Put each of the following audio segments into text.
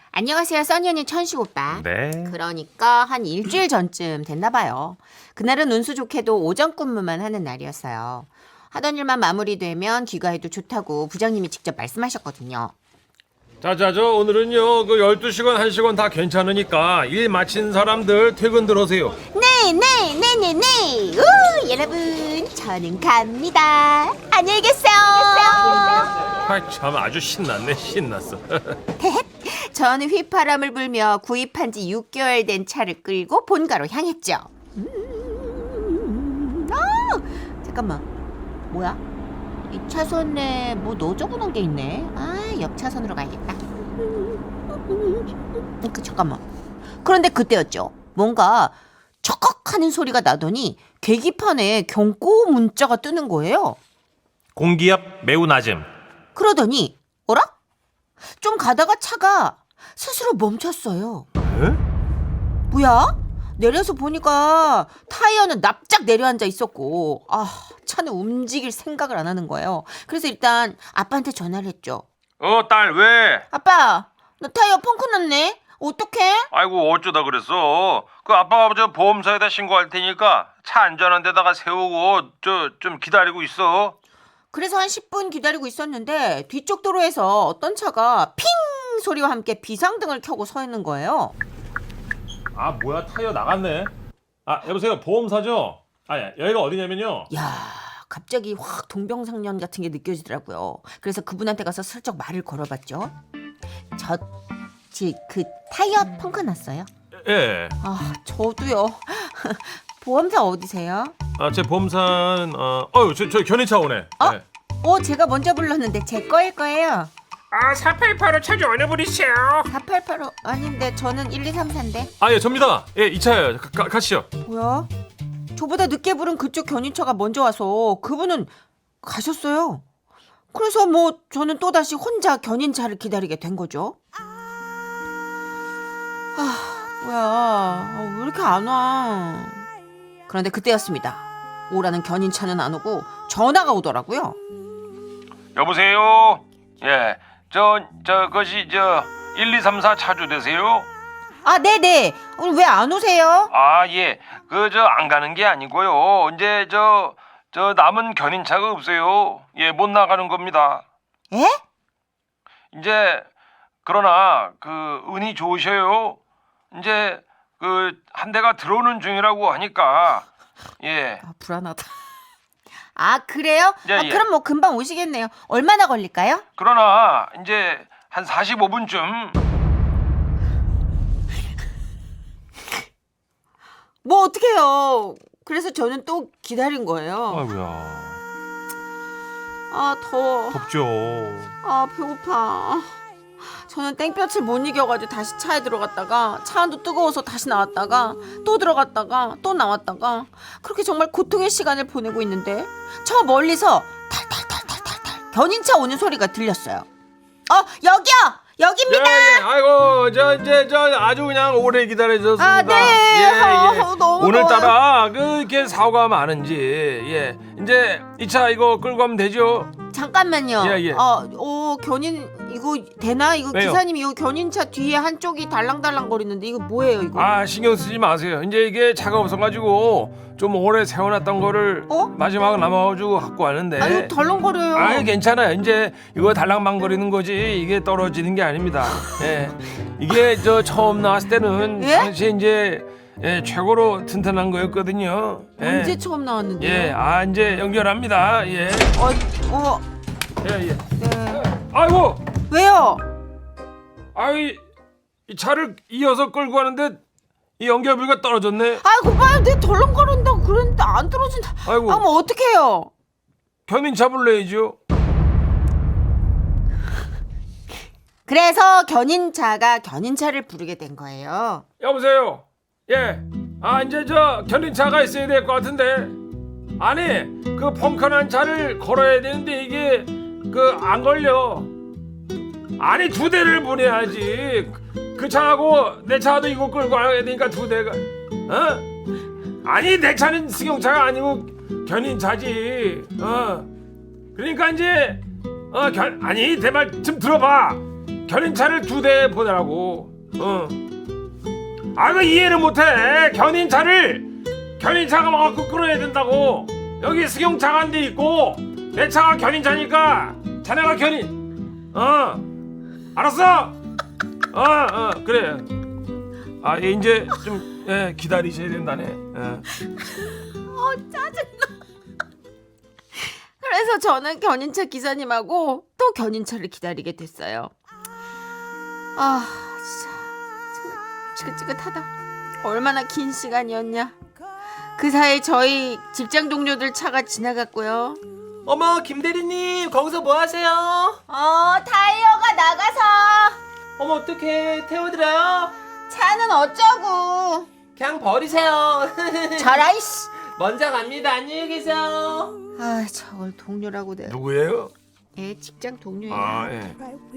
안녕하세요, 써니 언니 천식 오빠. 네. 그러니까 한 일주일 전쯤 됐나 봐요. 그날은 운수 좋게도 오전 근무만 하는 날이었어요. 하던 일만 마무리되면 귀가해도 좋다고 부장님이 직접 말씀하셨거든요. 자, 오늘은요, 12시간, 1시간 다 괜찮으니까 일 마친 사람들 퇴근 들어오세요. 네. 여러분, 저는 갑니다. 안녕히 계세요. 참 아주 신났어. 저는 휘파람을 불며 구입한 지 6개월 된 차를 끌고 본가로 향했죠. 잠깐만, 뭐야? 이 차선에 뭐 넣어줘놓은 게 있네. 옆 차선으로 가야겠다. 잠깐만. 그런데 그때였죠. 뭔가 척헉하는 소리가 나더니 계기판에 경고 문자가 뜨는 거예요. 공기압 매우 낮음. 그러더니 어라? 좀 가다가 차가 스스로 멈췄어요. 에? 뭐야? 내려서 보니까 타이어는 납작 내려앉아 있었고 차는 움직일 생각을 안 하는 거예요. 그래서 일단 아빠한테 전화를 했죠. 딸 왜? 아빠, 나 타이어 펑크 났네. 어떡해? 아이고 어쩌다 그랬어. 그 아빠가 저 보험사에다 신고할 테니까 차 안전한 데다가 세우고 좀 기다리고 있어. 그래서 한 10분 기다리고 있었는데 뒤쪽 도로에서 어떤 차가 핑 소리와 함께 비상등을 켜고 서 있는 거예요. 아, 뭐야, 타이어 나갔네. 여보세요, 보험사죠? 여기가 어디냐면요. 야, 갑자기 확 동병상련 같은 게 느껴지더라고요. 그래서 그분한테 가서 슬쩍 말을 걸어봤죠. 그 타이어 펑크 났어요? 예. 저도요. 보험사 어디세요? 제 보험사는, 저 견인차 오네. 네. 제가 먼저 불렀는데 제 거일 거예요. 4885 차 좀 어느 분이세요? 4885 아닌데 저는 1234인데. 예, 접니다. 예, 이 차예요. 가시죠. 뭐야? 저보다 늦게 부른 그쪽 견인차가 먼저 와서 그분은 가셨어요. 그래서 저는 또다시 혼자 견인차를 기다리게 된 거죠. 뭐야, 왜 이렇게 안 와? 그런데 그때였습니다. 오라는 견인차는 안 오고 전화가 오더라고요. 여보세요. 예, 그것이 1234 차주 되세요? 네네. 오늘 왜 안 오세요? 예, 안 가는 게 아니고요. 이제 남은 견인차가 없어요. 예, 못 나가는 겁니다. 에? 이제 그러나 운이 좋으셔요. 이제 한 대가 들어오는 중이라고 하니까 예. 불안하다. 그래요? 예. 그럼 금방 오시겠네요. 얼마나 걸릴까요? 그러나 이제 한 45분쯤. 어떡해요. 그래서 저는 또 기다린 거예요. 아이고야. 더워. 덥죠. 배고파. 저는 땡볕을 못 이겨가지고 다시 차에 들어갔다가 차 안도 뜨거워서 다시 나왔다가 또 들어갔다가 또 나왔다가 그렇게 정말 고통의 시간을 보내고 있는데 저 멀리서 탈탈탈탈탈탈 견인차 오는 소리가 들렸어요. 여기입니다. 예. 아이고, 이제 아주 그냥 오래 기다려줬습니다. 네. 예. 너무 오늘따라 이렇게 사고가 많은지, 예. 이제 이 차 이거 끌고 가면 되죠? 잠깐만요. 예. 견인 이거 되나? 이거 왜요? 기사님 이거 견인차 뒤에 한쪽이 달랑달랑 거리는데 이거 뭐예요 이거? 신경 쓰지 마세요. 이제 이게 차가 없어가지고 좀 오래 세워놨던 거를 마지막에 남아가지고 갖고 왔는데. 이거 덜렁거려요. 괜찮아요. 이제 이거 달랑망거리는 거지 이게 떨어지는 게 아닙니다. 예. 이게 처음 나왔을 때는 예? 당시에 이제 최고로 튼튼한 거였거든요. 언제 처음 나왔는데요? 이제 연결합니다. 예. 예. 네. 아이고, 왜요? 이 차를 이어서 끌고 가는데 이 연결부가 떨어졌네. 봐요. 내 덜렁거린다고 그랬는데 안 떨어진다. 아이고. 그럼 어떡해요? 견인차 불러야죠. 그래서 견인차가 견인차를 부르게 된 거예요. 여보세요. 예. 이제 견인차가 있어야 될 것 같은데. 아니, 그 펑크난 차를 걸어야 되는데 이게 안 걸려. 아니, 2대를 보내야지. 그 차하고 내 차도 이거 끌고 가야 되니까 2대가. 아니, 내 차는 승용차가 아니고 견인차지. 그러니까 이제 아니, 내 말 좀 들어봐. 견인차를 2대 보내라고. 그 이해를 못해. 견인차가 와갖고 끌어야 된다고. 여기 승용차가 한 대 있고 내 차가 견인차니까 자네가 알았어? 그래. 이제 좀 기다리셔야 된다네. 짜증나. 그래서 저는 견인차 기사님하고 또 견인차를 기다리게 됐어요. 진짜 정말 지긋지긋하다. 얼마나 긴 시간이었냐. 그 사이 저희 직장 동료들 차가 지나갔고요. 어머, 김대리님 거기서 뭐 하세요? 타이어가 나가서. 어머, 어떡해. 태워드려요? 차는 어쩌고. 그냥 버리세요. 저라 이씨. 먼저 갑니다. 안녕히 계세요. 저걸 동료라고 돼. 누구예요? 직장 동료예요. 예.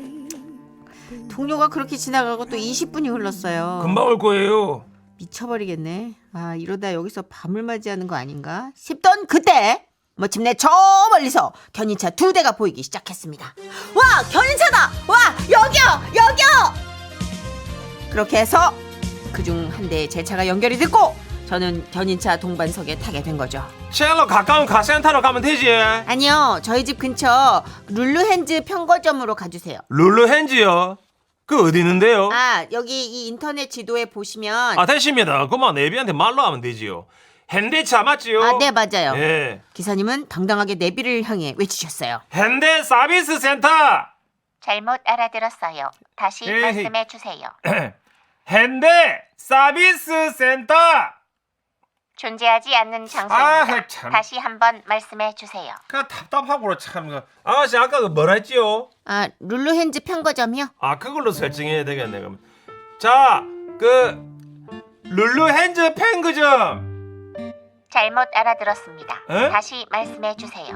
동료가 그렇게 지나가고 또 20분이 흘렀어요. 금방 올 거예요. 미쳐버리겠네. 이러다 여기서 밤을 맞이하는 거 아닌가 싶던 그때 마침내 저 멀리서 견인차 2대가 보이기 시작했습니다. 와, 견인차다. 와, 여기요. 그렇게 해서 그중 한 대에 제 차가 연결이 됐고 저는 견인차 동반석에 타게 된 거죠. 제일로 가까운 카센터로 가면 되지. 아니요, 저희 집 근처 룰루핸즈 편거점으로 가주세요. 룰루핸즈요? 그 어디 있는데요? 여기 이 인터넷 지도에 보시면 됐습니다. 그만 내비한테 말로 하면 되지요. 현대차 맞지요? 네, 맞아요. 예. 기사님은 당당하게 내비를 향해 외치셨어요. 현대 서비스 센터. 잘못 알아들었어요. 다시 에이. 말씀해 주세요. 현대 서비스 센터. 존재하지 않는 장소입니다. 참. 다시 한번 말씀해 주세요. 그 답답하고 참. 아가씨 아까 그 뭐라 했지요? 룰루핸즈 편거점이요? 그걸로 설정해야 되겠네 그럼. 자, 그 룰루핸즈 펜그점. 잘못 알아들었습니다. 에? 다시 말씀해 주세요.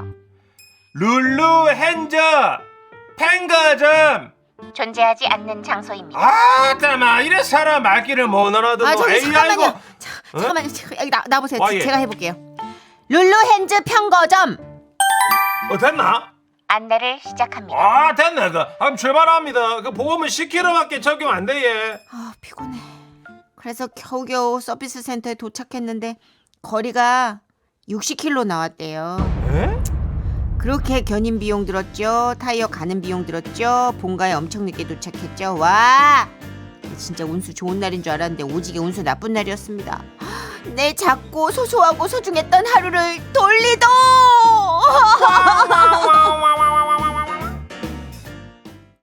룰루핸즈 펜그점. 존재하지 않는 장소입니다. 잠깐만 이래 사람 말귀를 못 알아듣고. 저기 잠깐만요. 아이고. 잠깐만요. 여기 나보세요. 예. 제가 해볼게요. 룰루핸즈 편거점. 됐나? 안내를 시작합니다. 됐네. 그럼 출발합니다. 그 보험은 10km밖에 적용 안 돼. 얘. 피곤해. 그래서 겨우겨우 서비스 센터에 도착했는데 거리가 60km 나왔대요. 에? 그렇게 견인 비용 들었죠. 타이어 가는 비용 들었죠. 본가에 엄청 늦게 도착했죠. 와, 진짜 운수 좋은 날인 줄 알았는데 오지게 운수 나쁜 날이었습니다. 내 작고 소소하고 소중했던 하루를 돌리도.